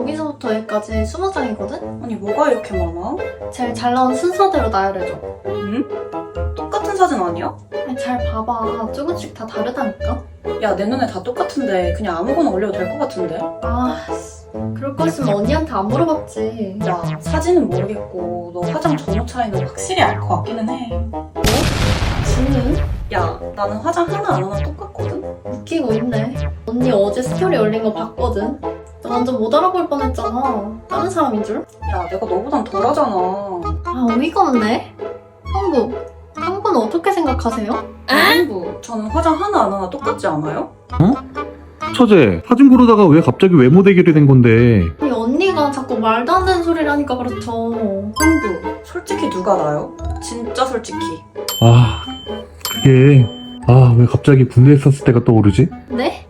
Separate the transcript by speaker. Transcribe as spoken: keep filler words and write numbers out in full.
Speaker 1: 여기서부터 여기까지 스무 장이거든?
Speaker 2: 아니 뭐가 이렇게 많아?
Speaker 1: 제일 잘 나온 순서대로 나열해줘.
Speaker 2: 응? 똑같은 사진 아니야?
Speaker 1: 아니, 잘 봐봐. 조금씩 다 다르다니까?
Speaker 2: 야 내 눈에 다 똑같은데 그냥 아무거나 올려도 될 것 같은데?
Speaker 1: 아, 씨. 그럴 거였으면 언니한테 안 물어봤지.
Speaker 2: 야 사진은 모르겠고 너 화장 전후 차이는 확실히 알 것 같기는 해.
Speaker 1: 지는?
Speaker 2: 야 나는 화장 하나 안 하나 똑같거든?
Speaker 1: 웃기고 있네. 언니 어제 스토리 올린 거 봤거든? 나 완전 못 알아볼 뻔했잖아. 다른 사람인 줄?
Speaker 2: 야 내가 너보단 덜하잖아.
Speaker 1: 아, 어이가 없네. 형부, 형부는 어떻게 생각하세요?
Speaker 2: 형부 저는 화장 하나 안 하나 똑같지 않아요?
Speaker 3: 처제, 사진 고르다가 왜 갑자기 외모 대결이 된 건데?
Speaker 1: 아니, 언니가 자꾸 말도 안 되는 소리를 하니까 그렇죠.
Speaker 2: 형부 솔직히 누가 나요? 진짜 솔직히.
Speaker 3: 아, 그게 아, 왜 갑자기 군대에 있었을 때가 떠오르지?
Speaker 1: 네?